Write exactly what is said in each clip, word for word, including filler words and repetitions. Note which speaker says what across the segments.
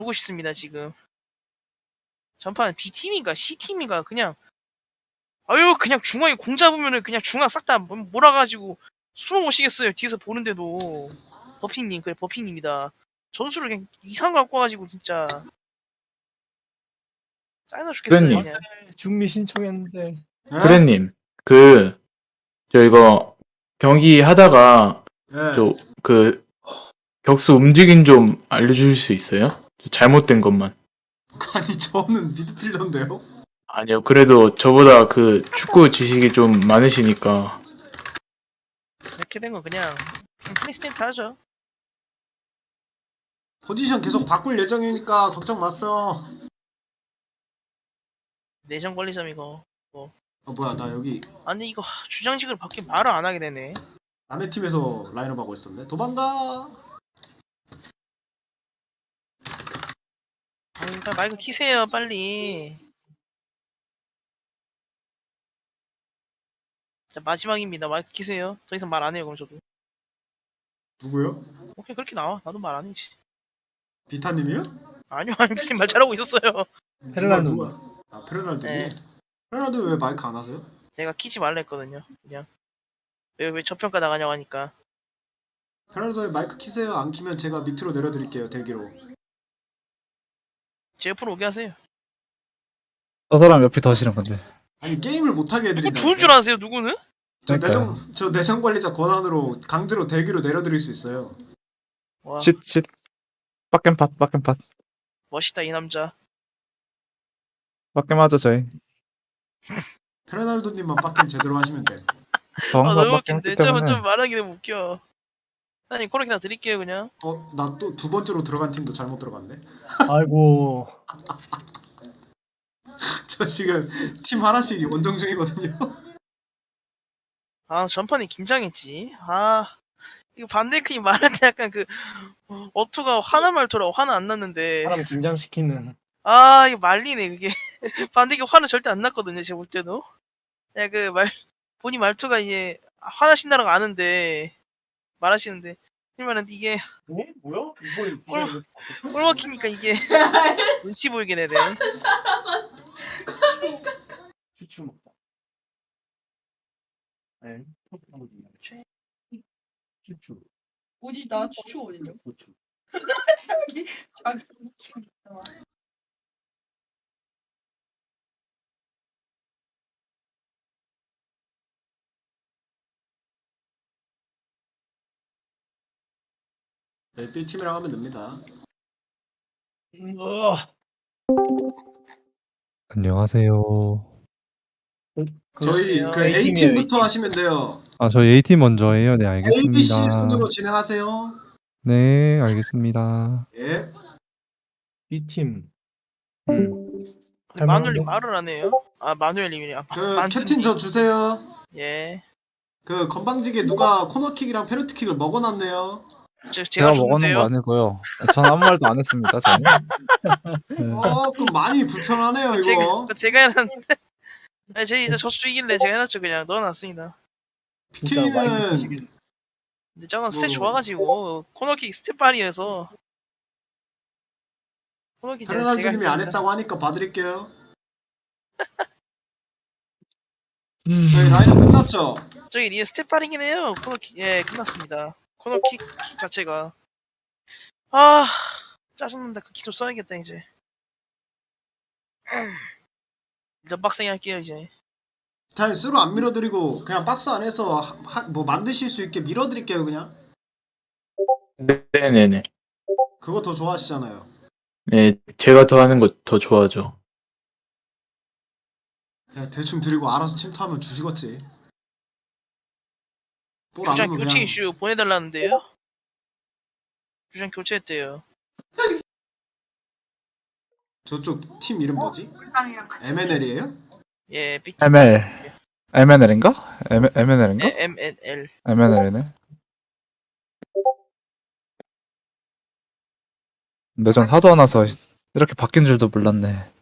Speaker 1: 보고 싶습니다 지금. 전판 B팀인가 C팀인가 그냥 아유 그냥 중앙에 공 잡으면은 그냥 중앙 싹 다 몰아가지고 숨어 못 쉬겠어요. 뒤에서 보는데도. 버피님 그래 버피님이다. 전술을 그냥 이상 갖고 와가지고 진짜 짜증나 죽겠어요
Speaker 2: 그래님.
Speaker 1: 그냥.
Speaker 3: 중미 신청했는데.
Speaker 2: 그래님, 그, 저 이거 경기 하다가
Speaker 4: 네.
Speaker 2: 저 그 격수 움직임 좀 알려주실 수 있어요? 잘못된 것만.
Speaker 4: 아니 저는 미드필더인데요.
Speaker 2: 아니요, 그래도 저보다 그 축구 지식이 좀 많으시니까.
Speaker 1: 이렇게 된 거 그냥 플레이스멘트 하죠.
Speaker 4: 포지션 계속 바꿀 예정이니까 걱정 마세요.
Speaker 1: 내정 관리점 이거.
Speaker 4: 아 뭐야 나 여기
Speaker 1: 아니 이거 주장식을 밖에 말을 안 하게 되네.
Speaker 4: 남의 팀에서 라인업 하고 있었네. 도망가.
Speaker 1: 아니 빨리 마이크 키세요 빨리. 자 마지막입니다. 마이크 키세요. 더 이상 말 안 해요 그럼 저도.
Speaker 4: 누구요?
Speaker 1: 오케이 그렇게 나와. 나도 말 안 해지.
Speaker 4: 비타님이요?
Speaker 1: 아니요 아니 무슨 말 잘하고 있었어요.
Speaker 3: 페르난도.
Speaker 4: 누가? 아 페르난도님.
Speaker 1: 네.
Speaker 4: 페르난도 왜 마이크 안 하세요?
Speaker 1: 제가 키지 말라 했거든요. 그냥 왜 왜 저평가 나가냐고 하니까.
Speaker 4: 페르난도에 마이크 키세요. 안 키면 제가 밑으로 내려드릴게요 대기로.
Speaker 1: 제 옆으로 오게 하세요.
Speaker 5: 저 사람 옆이 더 싫은 건데.
Speaker 4: 아니 게임을 못하게
Speaker 1: 누구
Speaker 4: 해드린다.
Speaker 1: 좋은 줄 아세요 누구는?
Speaker 4: 저
Speaker 5: 그러니까요.
Speaker 4: 내정 저 내정 관리자 권한으로 강제로 대기로 내려드릴 수 있어요.
Speaker 1: 와
Speaker 5: 쉿, 쉿. 빡겜팟, 빡겜팟.
Speaker 1: 멋있다 이 남자.
Speaker 5: 빡겜하죠, 저희.
Speaker 4: 페르난도님만 빡겜 제대로 하시면 돼.
Speaker 5: 저
Speaker 1: 아
Speaker 5: 항상
Speaker 1: 너무
Speaker 5: 빡겜
Speaker 1: 웃긴데.
Speaker 5: 했기
Speaker 1: 좀,
Speaker 5: 때문에.
Speaker 1: 좀 말하기 너무 웃겨. 아니 코로나 드릴게요 그냥.
Speaker 4: 어 나 또 두 번째로 들어간 팀도 잘못 들어갔네.
Speaker 3: 아이고.
Speaker 4: 저 지금 팀 하나씩 원정 중이거든요.
Speaker 1: 아 전판에 긴장했지. 아 이거 반데이크이 말할 때 약간 그 어투가 화나 말투라 화는 안 났는데.
Speaker 3: 사람 긴장시키는.
Speaker 1: 아 이거 말리네 그게. 반데이크 화는 절대 안 났거든요 제가 볼 때도. 야 그 말 본인 말투가 이제 화나신다는 거 아는데 말하시는데 그러면은 이게
Speaker 3: 네? 뭐야? 이거 이거
Speaker 1: 어. 꼴 막히니까 이게 눈치 보이게 되네.
Speaker 3: 추추 먹자. 네. 추추.
Speaker 6: 어디다 추추 어디냐?
Speaker 3: 고추.
Speaker 6: 자기 자기 추추 있잖아.
Speaker 4: 네, B팀이랑 하면 됩니다.
Speaker 3: 어.
Speaker 5: 안녕하세요.
Speaker 4: 저희
Speaker 1: 그러세요.
Speaker 4: 그
Speaker 3: A팀이에요,
Speaker 4: A팀부터
Speaker 3: A팀.
Speaker 4: 하시면 돼요.
Speaker 5: 아, 저 A팀 먼저 해요. 네,
Speaker 4: A, B, C
Speaker 5: 알겠습니다.
Speaker 4: 순으로 진행하세요.
Speaker 5: 네, 알겠습니다.
Speaker 4: 예.
Speaker 3: B팀. 음.
Speaker 1: 마누엘님 말을 안 해요? 아 마누엘님이네. 아,
Speaker 4: 그
Speaker 1: 만두님.
Speaker 4: 캡틴 저 주세요.
Speaker 1: 예.
Speaker 4: 그 건방지게 누가 코너킥이랑 페널티킥을 먹어놨네요.
Speaker 1: 저,
Speaker 5: 제가
Speaker 1: 제가
Speaker 5: 먹었는 거
Speaker 1: 줬는데요.
Speaker 5: 아니고요. 전 아무 말도 안 했습니다, 저는. 네.
Speaker 4: 어, 좀 많이 불편하네요
Speaker 1: 제가
Speaker 4: 이거.
Speaker 1: 그거 제가 해놨는데. 아니 제 이제 저수 이길래 제가 해놨죠 그냥 넣어놨습니다.
Speaker 3: 진짜 많이
Speaker 4: 피케이는
Speaker 3: 드시길.
Speaker 1: 근데 저건 스탯
Speaker 4: 뭐.
Speaker 1: 좋아가지고 코너킥 스탯발이어서 코너킥 제가 제가
Speaker 4: 페르난도님이 안
Speaker 1: 했죠.
Speaker 4: 했다고 하니까 봐드릴게요.
Speaker 5: 음.
Speaker 4: 저희 라인업 끝났죠?
Speaker 1: 저기 리에 스텝발이긴 해요. 코너킥 예 끝났습니다. 코너킥 킥 자체가 아 짜증난다. 그 기술 써야겠다 이제. 일단 빡세게 할게요 이제.
Speaker 4: 잘 수로 안 밀어드리고 그냥 박스 안에서 하, 하- 뭐 만드실 수 있게 밀어드릴게요 그냥.
Speaker 2: 네네네.
Speaker 4: 그거 더 좋아하시잖아요.
Speaker 2: 네, 제가 더 하는 거 더 좋아하죠.
Speaker 4: 그냥 대충 드리고 알아서 침투하면 주시겠지. 볼안
Speaker 1: 주장
Speaker 4: 오면
Speaker 1: 교체
Speaker 4: 그냥
Speaker 1: 이슈 보내달라는데요. 주장 교체했대요.
Speaker 4: 저쪽 팀 이름 뭐지? 엠엔엘이에요?
Speaker 1: 예 빅팀.
Speaker 5: 엠엘. 엠엔엘인가? 엠엔엘인가?
Speaker 1: 예, 엠엔엘.
Speaker 5: 엠엔엘이네. 근데 전 하도 안 와서 이렇게 바뀐 줄도 몰랐네.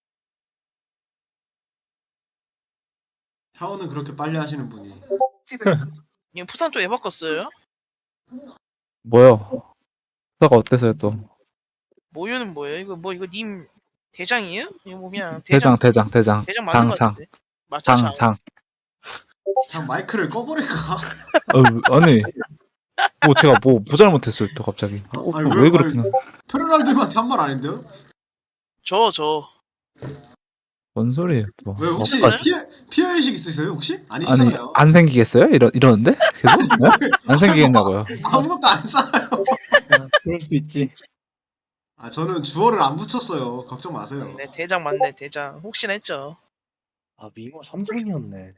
Speaker 4: 샤워는 그렇게 빨리 하시는 분이.
Speaker 1: 이거 부산 또 왜 바꿨어요?
Speaker 5: 뭐요? 사가 어때서요 또?
Speaker 1: 모유는 뭐예요? 이거 뭐 이거 님 대장이에요? 이거 뭐 그냥 대장
Speaker 5: 대장 대장 대장
Speaker 1: 대장 맞는 거
Speaker 5: 장
Speaker 1: 같은데. 맞죠? 장.
Speaker 5: 장 장.
Speaker 4: 그냥 마이크를 꺼버릴까?
Speaker 5: 어, 아니 뭐 제가 뭐 뭐 잘못했어요 또 갑자기. 어,
Speaker 4: 아니,
Speaker 5: 왜,
Speaker 4: 왜-
Speaker 5: 그렇게
Speaker 4: 아니, 페르날도한테 한 말 아닌데요?
Speaker 1: 저 저.
Speaker 5: 뭔 소리예요 또.
Speaker 4: 왜 혹시
Speaker 1: 없어요?
Speaker 4: 피해 피해 의식 있으세요 혹시?
Speaker 5: 아니
Speaker 4: 아니시잖아요.
Speaker 5: 안 생기겠어요? 이러 이러는데 계속 어? 안 생기겠냐고요.
Speaker 4: 아무것도 안 했잖아요.
Speaker 3: 그럴 수 있지.
Speaker 4: 아 저는 주어를 안 붙였어요. 걱정 마세요.
Speaker 1: 네 대장 맞네 대장. 혹시나 했죠.
Speaker 3: 아 미모 삼성이었네.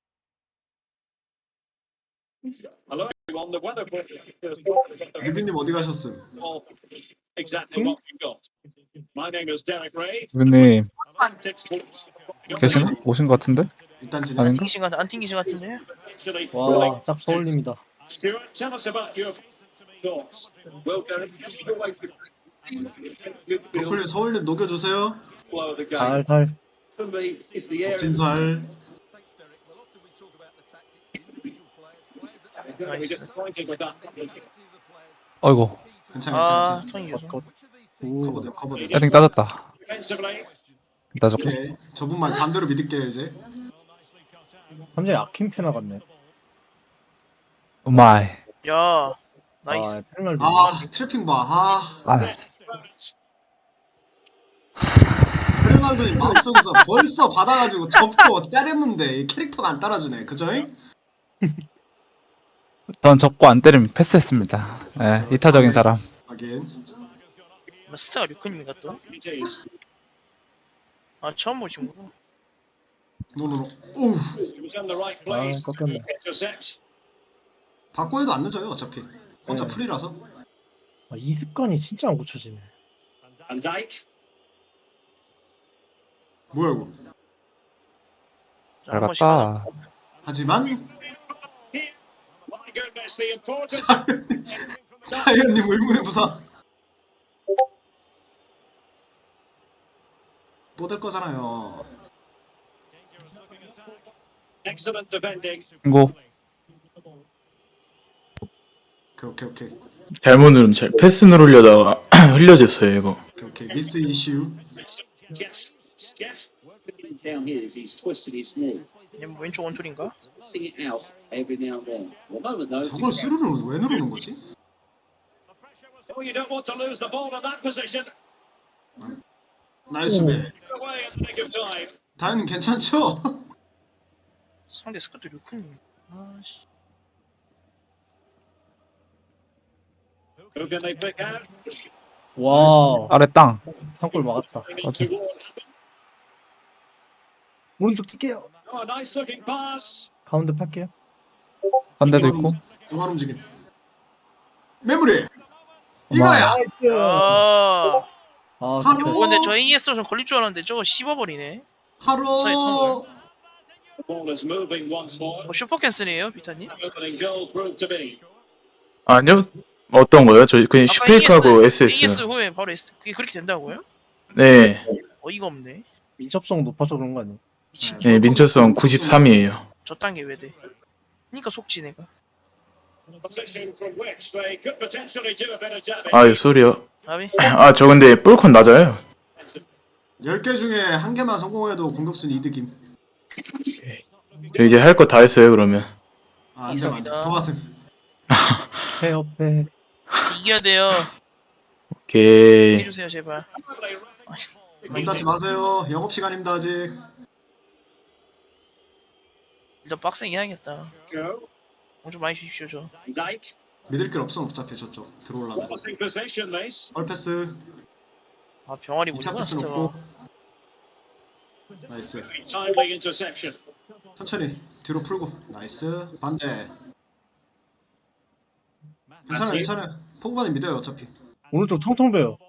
Speaker 7: Hello everyone, the weather
Speaker 4: 유빈님 어디 가셨음?
Speaker 7: exactly what we've got. My name is Derek Ray.
Speaker 5: 대표님
Speaker 7: Textbooks.
Speaker 5: 계시나? 오신 것 같은데?
Speaker 4: 일단 진행.
Speaker 1: 안
Speaker 5: 아닌가?
Speaker 1: 튕기신 것 같- 안 튕기신 것 같은데요?
Speaker 7: Actually,
Speaker 3: 와, 짭 서울님이다.
Speaker 7: Stuart, tell us about your thoughts. Well, Derek, your way to
Speaker 4: 브로콜리 서울님 녹여주세요.
Speaker 7: flow of the game.
Speaker 3: 살살.
Speaker 7: For me, it's the area.
Speaker 4: 진살.
Speaker 7: We're going to be disappointed with that.
Speaker 5: 어이구
Speaker 4: 괜찮아
Speaker 1: 아
Speaker 4: 괜찮아.
Speaker 1: 턴이 계속.
Speaker 3: 오.
Speaker 4: 커버돼 커버돼.
Speaker 5: 헤딩 따졌다.
Speaker 7: Defensively,
Speaker 5: 따졌고.
Speaker 4: 오케이. 저분만 반대로 믿을게요 이제.
Speaker 3: 삼성이 아킴페 나갔네.
Speaker 5: 오마이.
Speaker 1: 야 나이스.
Speaker 3: 아, 페널티.
Speaker 4: 아 트래핑 봐. 아
Speaker 5: 아
Speaker 4: 페르날도님 마음속에서 벌써 받아가지고 접고 때렸는데 이 캐릭터가 안 따라주네. 그죠잉?
Speaker 5: 전 접고 안 때리면 패스했습니다. 예, 이타적인 사람.
Speaker 4: 하긴.
Speaker 1: 뭐 스타가 류크님인가 또?
Speaker 7: it is.
Speaker 1: 아 처음 보시는구나.
Speaker 4: 노노노. 오우.
Speaker 7: He was in the right
Speaker 3: 아,
Speaker 7: place.
Speaker 3: 꺾였네.
Speaker 7: Intercept.
Speaker 4: 바꿔 해도 안 늦어요 어차피. 혼자
Speaker 3: 네.
Speaker 4: 풀이라서.
Speaker 3: 아, 이 습관이 진짜 안 고쳐지네.
Speaker 7: Van Dijk.
Speaker 4: 뭐야 이거.
Speaker 1: 자,
Speaker 5: 잘
Speaker 1: 한 번씩 하나.
Speaker 5: 갔다.
Speaker 4: 하지만
Speaker 7: My goodness, the importance.
Speaker 4: 타이어님 의문의 부사. 뻗을 거잖아요.
Speaker 7: Excellent defending.
Speaker 5: 신고.
Speaker 4: 오케이 오케이 오케이
Speaker 2: 잘못 누르면 잘 패스 누르려다가 흘려졌어요 이거.
Speaker 4: 오케이 오케이. 미스 이슈.
Speaker 7: Yes. Yes.
Speaker 8: Down here is he's twisted his knee,
Speaker 1: 얘뭐 왼쪽 원툴인가?
Speaker 8: sing it out every now and then. Well, moment though,
Speaker 4: 저걸 스루를 왜 누르는 거지?
Speaker 7: Oh, you don't want to lose the ball in that position.
Speaker 4: 나이스 수비.
Speaker 7: Away in the nick of time.
Speaker 4: 다현님 괜찮죠?
Speaker 1: 상대 스쿼트 류크님. 아씨.
Speaker 7: Who can they pick out?
Speaker 3: 와,
Speaker 5: 아래 땅.
Speaker 3: 한골 막았다.
Speaker 7: Toward-
Speaker 3: 오른쪽 뛸게요.
Speaker 7: Oh, a nice looking pass.
Speaker 3: 가운데 팔게요.
Speaker 5: 반대도 있고.
Speaker 4: 중간 움직임. 메모리. 이거야.
Speaker 1: 아.
Speaker 3: 아,
Speaker 4: 하루.
Speaker 1: 어, 근데 저 에이에스로 좀 걸릴 줄 알았는데 저거 씹어버리네.
Speaker 4: 하루.
Speaker 1: 사이 턴
Speaker 7: The ball is moving once more.
Speaker 1: 뭐 슈퍼 캔슬이에요, 비타님?
Speaker 7: Opening goal proved to be.
Speaker 2: 아니요? 어떤 거요? 저 그냥
Speaker 1: 아까
Speaker 2: 슈페이크하고
Speaker 1: 에이에스
Speaker 2: 에스에스.
Speaker 1: 후에 바로 에스. 그게 그렇게 된다고요?
Speaker 2: 네,
Speaker 1: 어이가 없네.
Speaker 3: 민첩성 높아서 그런 거 아니야?
Speaker 1: 미친.
Speaker 2: 네 민철성 구십삼이에요.
Speaker 1: 저 단계 왜 돼? 그니까 속지 내가.
Speaker 7: Position from which they could potentially do a bit of damage.
Speaker 2: 아유 소리요.
Speaker 1: 아비.
Speaker 2: 아 저 근데 볼컨 낮아요.
Speaker 4: 열 개 중에 한 개만 성공해도 공격순 이득임.
Speaker 2: 저 이제 할 거 다 했어요 그러면.
Speaker 4: 아, 안 돼, 안 돼.
Speaker 1: 있습니다.
Speaker 4: 더 가슴.
Speaker 3: 패 옆에.
Speaker 1: 이겨야 돼요.
Speaker 2: 오케이.
Speaker 1: 해주세요 제발.
Speaker 4: 문 닫지 마세요. 영업 시간입니다 아직.
Speaker 1: 일단 빡세게 해야겠다.
Speaker 7: Go.
Speaker 1: 좀 많이 주십시오 저.
Speaker 7: Van Dijk.
Speaker 4: 믿을 길 없어 어차피 저쪽 들어올라면.
Speaker 7: Promising position, this.
Speaker 4: 헐 패스.
Speaker 1: 아 병아리
Speaker 4: 이 차
Speaker 1: 무리구나
Speaker 4: 패스는
Speaker 1: 진짜.
Speaker 4: 없고. 나이스.
Speaker 7: Timely interception.
Speaker 4: 천천히 뒤로 풀고. 나이스. 반대. 괜찮아요 괜찮아요. 포그바는 믿어요 어차피.
Speaker 3: 오른쪽 텅텅 베요.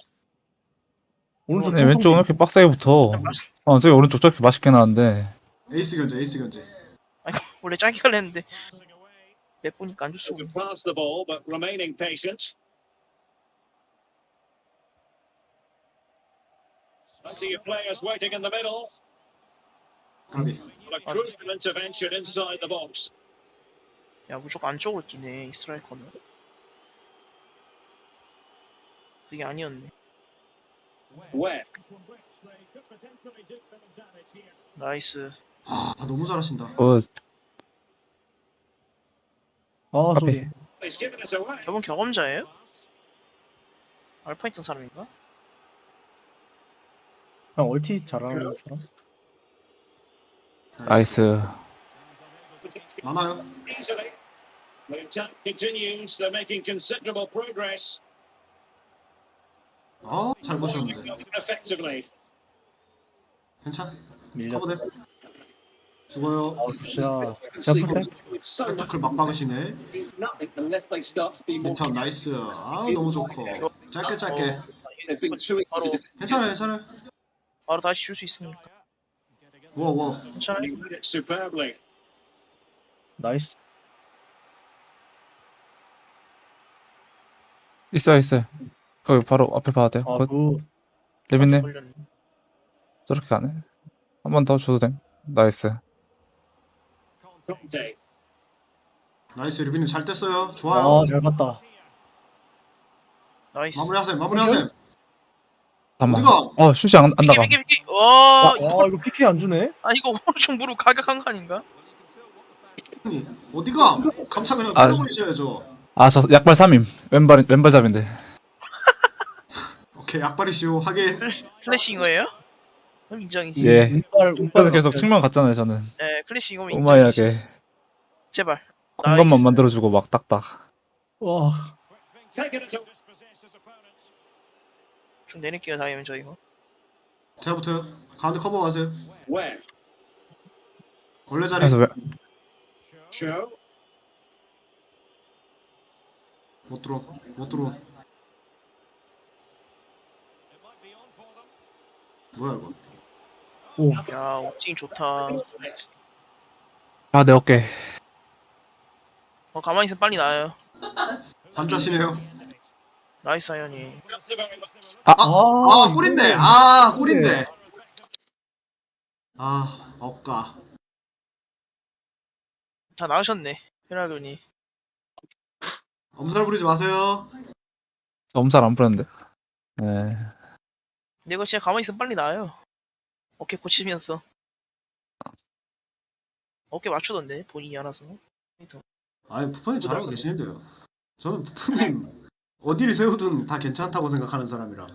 Speaker 3: 오른쪽
Speaker 5: 네,
Speaker 3: 텅텅
Speaker 5: 왼쪽은
Speaker 3: 베요.
Speaker 5: 이렇게 빡세게 붙어. 어, 저기 오른쪽 저렇게 맛있게 나왔는데.
Speaker 4: 에이스 견제 에이스 견제.
Speaker 1: 아니 원래 짧게 하려 했는데 몇 보니까 안 줬어.
Speaker 7: To pass the ball, but remaining patient. Plenty of players waiting in the middle.
Speaker 4: 가비.
Speaker 7: A crucial intervention inside the box.
Speaker 1: 야 무조건 안쪽으로 뛰네 이 스트라이커는. 그게 아니었네.
Speaker 7: Where?
Speaker 1: 나이스.
Speaker 4: 아 너무 잘하신다.
Speaker 5: 어,
Speaker 3: 아
Speaker 5: 앞에.
Speaker 3: 소리.
Speaker 7: He's given us away.
Speaker 1: 저분 경험자예요? 알파 있던 사람인가?
Speaker 3: 그냥 얼티 잘하는 사람?
Speaker 5: 나이스.
Speaker 4: 많아요.
Speaker 7: Easily. The attack continues. They're making considerable progress.
Speaker 4: 아잘 보셨는데.
Speaker 7: Effectively.
Speaker 4: 괜찮?
Speaker 3: 밀려.
Speaker 4: 커버돼. 죽어요.
Speaker 3: 아 굿샷. 제가 풀백.
Speaker 8: With so much
Speaker 4: 펜터클 막 박으시네.
Speaker 8: nothing unless they start to be more.
Speaker 4: 인턴 나이스. 아 너무 좋고. 짧게 짧게.
Speaker 1: 어,
Speaker 8: They've been too easy
Speaker 1: 바로
Speaker 8: to
Speaker 4: 괜찮아요 괜찮아요.
Speaker 1: 바로 다시 줄 수 있으니까
Speaker 4: 워 워.
Speaker 1: 괜찮아요.
Speaker 7: He did it superbly.
Speaker 3: 나이스.
Speaker 5: 있어요, 있어요. 거기 바로 앞에 봐도 돼요.
Speaker 3: 아
Speaker 5: 굿.
Speaker 3: 그
Speaker 5: 레빈님,
Speaker 1: 걸렸네.
Speaker 5: 저렇게 가네. 한 번 더 줘도 돼. 나이스.
Speaker 7: Conte.
Speaker 4: 나이스 리빈님 잘 뗐어요. 좋아요.
Speaker 3: 아잘 봤다.
Speaker 1: 나이스.
Speaker 4: 마무리하세요. 마무리하세요.
Speaker 5: 잠깐만.
Speaker 4: 어디가?
Speaker 5: 어, 슛이 안, 안 나가.
Speaker 1: 비기 비기 비기. 와
Speaker 3: 아
Speaker 1: 이거
Speaker 3: 이거 피케 안 주네?
Speaker 1: 아 이거 오른쪽 무릎 가격한 거 아닌가?
Speaker 4: 아니, 어디가? 감차 그냥
Speaker 5: 아.
Speaker 4: 때려버리셔야죠.
Speaker 5: 아, 저 약발 삼 임. 왼발, 왼발잡인데.
Speaker 4: 오케이 약발이시오. 하긴.
Speaker 1: 클래식인 거예요? 그럼 인정이지.
Speaker 5: 예.
Speaker 3: 운빨
Speaker 5: 그래서
Speaker 3: 운빨
Speaker 5: 계속 측면 갔잖아요, 저는.
Speaker 1: 네, 클래식 이거면 인정이지.
Speaker 5: 오마이하게.
Speaker 1: 제발.
Speaker 5: 공간만
Speaker 1: 나이스.
Speaker 5: 만들어주고 막 딱딱.
Speaker 3: 와
Speaker 7: Taking it away.
Speaker 1: 좀 내릴게요 다이면 저 이거.
Speaker 4: 제가 붙어요. 가운데 커버 가세요.
Speaker 7: Where?
Speaker 4: 원래 자리.
Speaker 5: 그래서 왜,
Speaker 7: Show.
Speaker 4: 못 들어. 못 들어. 뭐야 이거?
Speaker 1: 야 옥징이 좋다.
Speaker 5: 아, 내 어깨.
Speaker 1: 어 가만히 있으면 빨리 나요.
Speaker 4: 반주하시네요.
Speaker 1: 나이스 하연이.
Speaker 4: 아
Speaker 3: 아,
Speaker 4: 꿀인데.
Speaker 3: 이거는-
Speaker 4: 아 꿀인데. 아 억까.
Speaker 1: 다 나으셨네 페라돈이.
Speaker 4: 엄살 부리지 마세요.
Speaker 5: 저 엄살 안 부렸는데. 네.
Speaker 1: 근데 이거 진짜 가만히 있으면 빨리 나요. 어깨 고치면서. 어깨 맞추던데 본인이 알아서.
Speaker 4: 아니 부모님 잘하고 계시는데요. 저는 부모님 어디를 세우든 다 괜찮다고 생각하는 사람이라.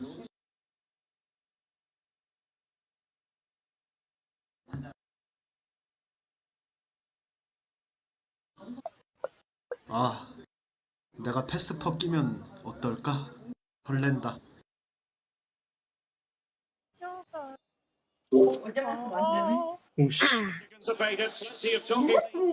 Speaker 4: 아 내가 패스퍼 끼면 어떨까? 설렌다.
Speaker 6: 어제 말씀 안 되네.
Speaker 3: 오씨
Speaker 7: Anticipated. Plenty of talking.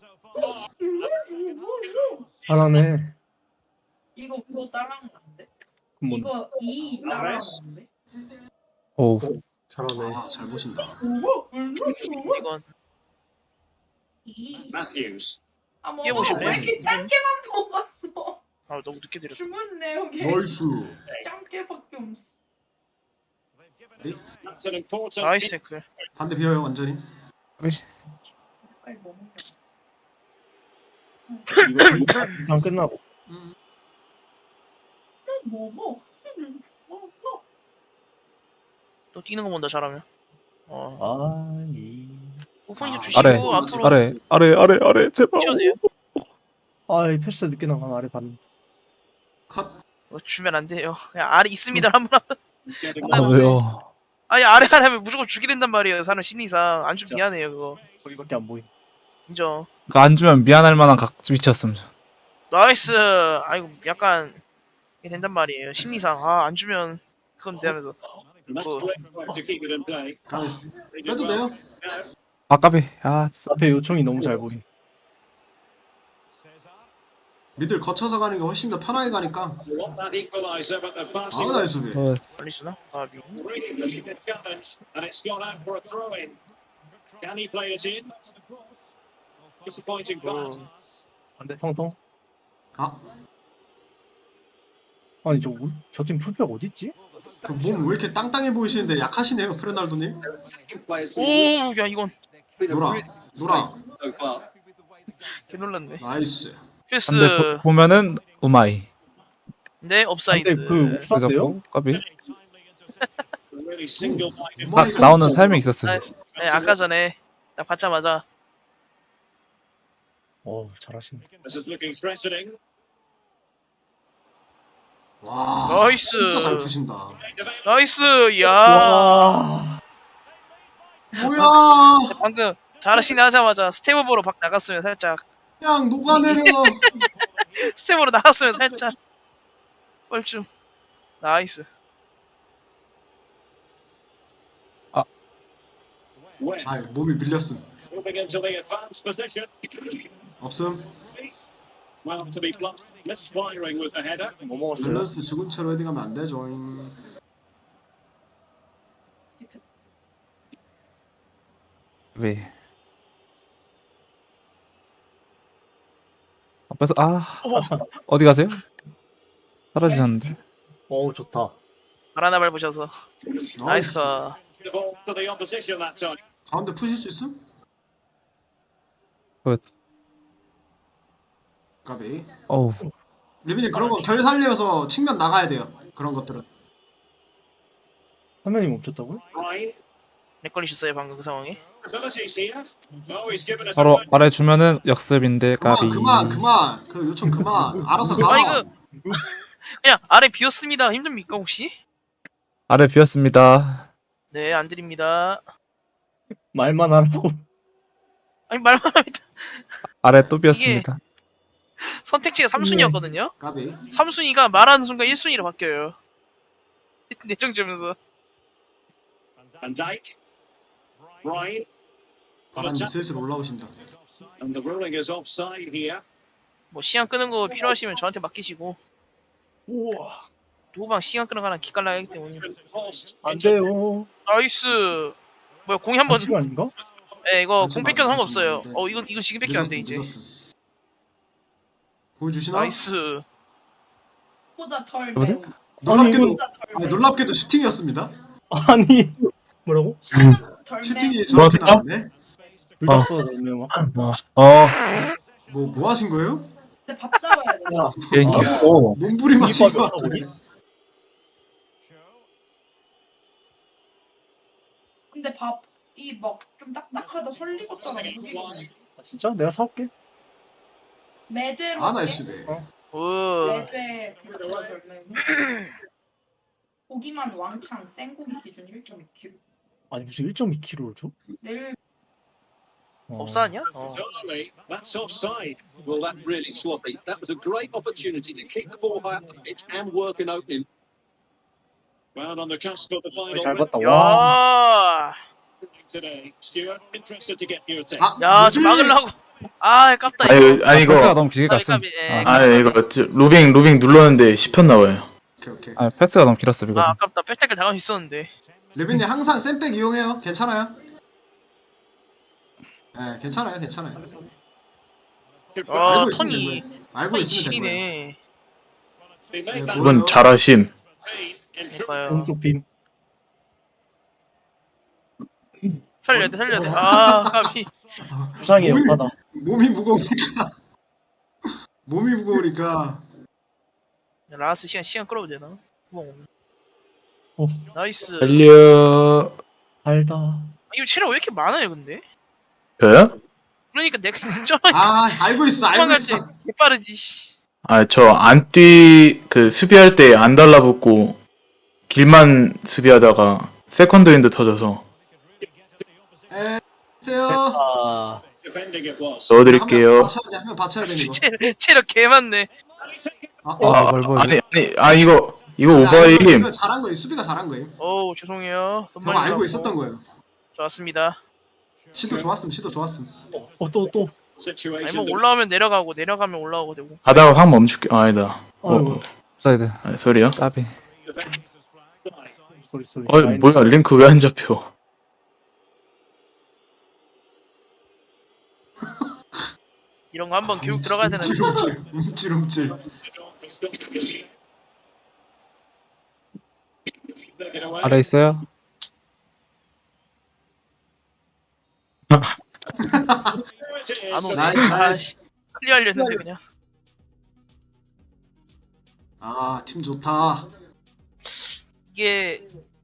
Speaker 3: 잘하네.
Speaker 6: 이거 그거 따라하면 안 돼?
Speaker 3: 그럼 뭐
Speaker 6: 이거 이 따라하면 안 돼?
Speaker 5: 오,
Speaker 3: 잘하네.
Speaker 4: 아 잘 보신다.
Speaker 1: 이건
Speaker 6: 이.
Speaker 7: Matthews.
Speaker 6: 아, 뭐,
Speaker 1: 깨보실래요?
Speaker 6: 왜 이렇게 짧게만 뽑았어?
Speaker 1: 아 너무 늦게 드렸어.
Speaker 6: 주문 내역에
Speaker 4: 나이스.
Speaker 6: 짧게밖에 없어.
Speaker 7: That's an important.
Speaker 1: 나이스 태클.
Speaker 4: 반대 비어요 완전히.
Speaker 6: 빨리 뭐 먹어.
Speaker 3: 이거 방 끝나고.
Speaker 6: 뭐 먹어? 뭐 먹어?
Speaker 1: 또 뛰는 거 본다 잘하면. 어.
Speaker 3: 아이
Speaker 1: 오픈이 좀
Speaker 4: 아,
Speaker 1: 주시고
Speaker 5: 아래,
Speaker 1: 앞으로
Speaker 5: 아래, 아래, 아래, 아래, 제발.
Speaker 1: 치워도 돼요?
Speaker 3: 아이 패스 늦게 나가면 아래 받는.
Speaker 4: 컷.
Speaker 1: 어, 주면 안 돼요. 그냥 아래 있습니다 한번 하면.
Speaker 7: Getting
Speaker 5: 아, 왜요?
Speaker 1: 아니 아래 아래 하면 무조건 주게 된단 말이에요. 사람 심리상 안 주면 미안해요 그거.
Speaker 3: 거기밖에 안 보임.
Speaker 1: 인정.
Speaker 5: 그거 안 주면 미안할 만한 각 위치였음.
Speaker 1: 나이스. 아이고 약간 이게 된단 말이에요. 심리상 아 안 주면 그건 되면서.
Speaker 7: That's
Speaker 1: 어.
Speaker 7: great to keep it in play.
Speaker 4: 가.
Speaker 7: They did
Speaker 4: 빼도
Speaker 7: well.
Speaker 4: 돼요?
Speaker 5: 아, 까비. 아, 진짜.
Speaker 3: 앞에 요청이 너무 잘 보임.
Speaker 4: 미들 거쳐서 가는 게 훨씬 더 편하게 가니까.
Speaker 7: Want that equaliser, but the
Speaker 4: 아
Speaker 7: passing
Speaker 4: 나이스 수비.
Speaker 5: 어,
Speaker 1: 빨리 쓰나? 아 미.
Speaker 7: really looking at challenge, and it's gone out for a throw in. Can he play it in? Disappointing pass.
Speaker 1: 어.
Speaker 3: 반대 통통.
Speaker 4: 아
Speaker 3: 아니 저저 팀 풀백 어디 있지?
Speaker 4: 그 몸 왜 이렇게 땅땅해 보이시는데 약하시네요 페르날도님.
Speaker 8: players.
Speaker 1: 오, 야 이건
Speaker 4: 노라 노라.
Speaker 8: So far.
Speaker 1: 개 놀랐네.
Speaker 4: 나이스.
Speaker 1: 패스.
Speaker 5: 근데 보, 보면은 우마이.
Speaker 1: 네 업사이드.
Speaker 3: 근데 그 옵사인데요?
Speaker 5: 그래서 까비.
Speaker 7: really single-minded.
Speaker 5: 딱 나오는 타이밍 있었어요.
Speaker 1: 나이스. 네, 아까 전에 딱 받자마자
Speaker 3: 어 잘하시네.
Speaker 7: This is looking threatening.
Speaker 4: 와
Speaker 1: 나이스.
Speaker 4: 진짜 잘 푸신다.
Speaker 1: 나이스. 야.
Speaker 3: 와.
Speaker 4: 뭐야
Speaker 1: 방금 잘하시네 하자마자 스텝업으로 박 나갔으면 살짝
Speaker 4: 그냥 녹아내려.
Speaker 1: 스텝으로 나갔으면 살짝 뻘쭘. 나이스.
Speaker 7: Webb
Speaker 4: 아 몸이 밀렸음.
Speaker 7: moving into the advanced position.
Speaker 4: 없음.
Speaker 7: Well, to be blunt, misfiring with the header.
Speaker 3: 뭐 먹었어요?
Speaker 4: 밸런스 죽은 채로 헤딩하면 안 되죠.
Speaker 5: 왜? 앞에서 아 어디 가세요? 사라지셨는데.
Speaker 3: 어우 좋다.
Speaker 1: 발 하나 밟으셔서 나이스.
Speaker 7: The ball to the opposition that time.
Speaker 4: 가운데 푸실 수 있음?
Speaker 5: 굿.
Speaker 4: 까비.
Speaker 5: 어우
Speaker 4: 리빈이 그런 거 결 살려서 측면 나가야 돼요. 그런 것들은.
Speaker 3: 화면이 멈췄다고요?
Speaker 7: Ryan,
Speaker 1: 렉 걸리셨어요 방금 그 상황에?
Speaker 7: abilities here. Oh, he's given us
Speaker 5: 바로
Speaker 7: a
Speaker 5: 말해주면은 역습인데
Speaker 4: 그만
Speaker 5: 까비.
Speaker 4: 그만 그만. 그 요청 그만. 알아서 가.
Speaker 1: 아 이거 그냥 아래 비었습니다. 힘듭니까 혹시?
Speaker 5: 아래 비었습니다.
Speaker 1: 네 안 드립니다.
Speaker 3: 말만 하라고.
Speaker 1: 아니 말만 합니다.
Speaker 5: 아래 또 비었습니다.
Speaker 1: 선택지가 삼 순위였거든요.
Speaker 4: 까비.
Speaker 1: 삼 순위가 말하는 순간 일 순위로 바뀌어요. 내정점에서
Speaker 7: Van Dijk. Ryan,
Speaker 4: 바람이 슬슬 올라오신다.
Speaker 7: and the ruling is offside here.
Speaker 1: 뭐 시간 끄는 거 필요하시면 저한테 맡기시고
Speaker 3: 우와.
Speaker 1: 누구방 시간 끄는 거랑 기깔나야 하기 때문에.
Speaker 7: Post.
Speaker 3: 안 돼요.
Speaker 1: 나이스. 뭐야 공이 한번
Speaker 3: 반칙 아닌가?
Speaker 1: 예 이거
Speaker 4: 반칙
Speaker 1: 공 뺏겨도
Speaker 4: 맞아,
Speaker 1: 상관없어요.
Speaker 4: 반칙
Speaker 1: 어 이건 이거 지금 뺏기면 안 돼 이제.
Speaker 4: 늦었음, 늦었음. 보여주시나?
Speaker 1: 나이스.
Speaker 6: 보다 덜
Speaker 5: 여보세요?
Speaker 6: 매워.
Speaker 4: 놀랍게도
Speaker 6: 보다 덜
Speaker 4: 아니,
Speaker 6: 매워.
Speaker 4: 놀랍게도 슈팅이었습니다.
Speaker 3: 아니 뭐라고?
Speaker 6: 덜
Speaker 4: 슈팅이
Speaker 6: 매워.
Speaker 4: 저렇게
Speaker 2: 뭐야?
Speaker 4: 나왔네.
Speaker 3: 불닭보다 넓네요.
Speaker 2: 어
Speaker 4: 뭐 뭐 하신 거예요?
Speaker 6: 근데 밥 싸워야 돼.
Speaker 5: 비행기.
Speaker 2: 오.
Speaker 4: 몸부림 하신 거
Speaker 3: 이거
Speaker 4: 같은데.
Speaker 6: 근데 밥이 막 좀 딱딱하다 설리겠더라.
Speaker 3: 아, 진짜? 내가 사올게.
Speaker 6: 매대로
Speaker 4: 아
Speaker 6: 할게.
Speaker 4: 나이스 배.
Speaker 1: 오.
Speaker 6: 매대 그보다 덜 매워. 고기만 왕창 생고기 기준 일 점 이 킬로그램.
Speaker 3: 아니 무슨 일 점 이 킬로그램을 줘?
Speaker 6: 내일
Speaker 3: 어.
Speaker 1: 없사냐? 어.
Speaker 7: Totally. That's offside.
Speaker 8: Well, that's really sloppy. That was a great opportunity to keep the ball high up the pitch and work an opening.
Speaker 7: Well, on the cusp of the final
Speaker 3: 잘 봤다. 와.
Speaker 1: 야.
Speaker 7: today. Stuart, interested to get your take.
Speaker 4: 아,
Speaker 1: 야, 저
Speaker 4: 뭐지?
Speaker 1: 막으려고. 아, 아깝다
Speaker 2: 아니,
Speaker 1: 이거.
Speaker 2: 아니
Speaker 5: 패스가
Speaker 2: 이거
Speaker 5: 너무 길게
Speaker 1: 까비,
Speaker 5: 갔음.
Speaker 1: 까비, 예.
Speaker 5: 아,
Speaker 2: 아니 이거 저- 로빙 로빙 눌렀는데 씹혔 나와요.
Speaker 4: 오케이 오케이.
Speaker 5: 아 패스가 너무 길었어 이거.
Speaker 1: 아, 아깝다. 백태클 당할 수 있었는데.
Speaker 4: 레빈님 항상 쌤백 이용해요. 괜찮아요. 네, 괜찮아요, 괜찮아요.
Speaker 1: 어,
Speaker 4: 알고
Speaker 1: 턴이
Speaker 4: 있으면 된 거예요. 알고
Speaker 1: 턴이
Speaker 4: 있으면 된 거예요.
Speaker 1: 지리네.
Speaker 7: They made that
Speaker 2: 이건 잘하심.
Speaker 7: pain in
Speaker 1: 봐요.
Speaker 3: 오른쪽 빔.
Speaker 1: 살려야 돼, 살려야 돼. 아, 까비.
Speaker 3: 부상이에요.
Speaker 4: 몸이-
Speaker 3: 바다.
Speaker 4: 몸이 무거우니까. 몸이 무거우니까.
Speaker 1: 라스 시간 시간 끌어도 되나? 구멍 없네.
Speaker 3: 어.
Speaker 1: 나이스. 아,
Speaker 2: 달려.
Speaker 3: 알다.
Speaker 1: 이거 체력 왜 이렇게 많아요, 근데?
Speaker 2: 저요?
Speaker 1: 그러니까 내가 인정하니까
Speaker 4: 아, 알고 있어, 알고
Speaker 1: 도망갈
Speaker 4: 있어.
Speaker 1: 때 개빠르지. 씨.
Speaker 2: 아 저 안 뛰 그 수비할 때 안 달라붙고 길만 수비하다가 세컨드인드 터져서
Speaker 4: 에, 세요.
Speaker 3: 아.
Speaker 7: defending it was.
Speaker 2: 넣어드릴게요.
Speaker 4: 받쳐야 돼, 한명 받쳐야 돼 이거.
Speaker 1: 체력, 체력 개 많네.
Speaker 4: 아,
Speaker 2: 아,
Speaker 5: 뭘 보여줘?
Speaker 2: 아니 아니 아 이거 이거
Speaker 4: 아니, 아니,
Speaker 2: 오버임.
Speaker 4: 이거 잘한 거예요. 수비가 잘한 거예요.
Speaker 1: 어우, 죄송해요. 돈
Speaker 4: 저거
Speaker 1: 많이
Speaker 4: 알고
Speaker 1: 들었고.
Speaker 4: 있었던 거예요.
Speaker 1: 좋았습니다.
Speaker 4: 시도 좋았음, 시도 좋았음.
Speaker 3: 어 또 또.
Speaker 7: Situation.
Speaker 1: 아니 뭐
Speaker 7: that-
Speaker 1: 올라오면 내려가고 내려가면 올라오고 되고.
Speaker 2: 가다가 확 멈출게. 아, 아니다.
Speaker 3: 아이고.
Speaker 2: 어,
Speaker 5: 사이드.
Speaker 2: 아니, 소리요?
Speaker 5: 까비.
Speaker 3: 소리 소리.
Speaker 2: 어 뭐야 링크 왜 안 잡혀?
Speaker 1: 이런 거 한번 교육 들어가야 되는데.
Speaker 4: 움찔움찔, 움찔움찔.
Speaker 5: 아래 있어요?
Speaker 1: 안 오네.
Speaker 4: 나이스,
Speaker 1: 아,
Speaker 4: 나이스.
Speaker 1: 씨. 클리어하려 했는데 그냥.
Speaker 4: 아, 팀 좋다.
Speaker 1: 이게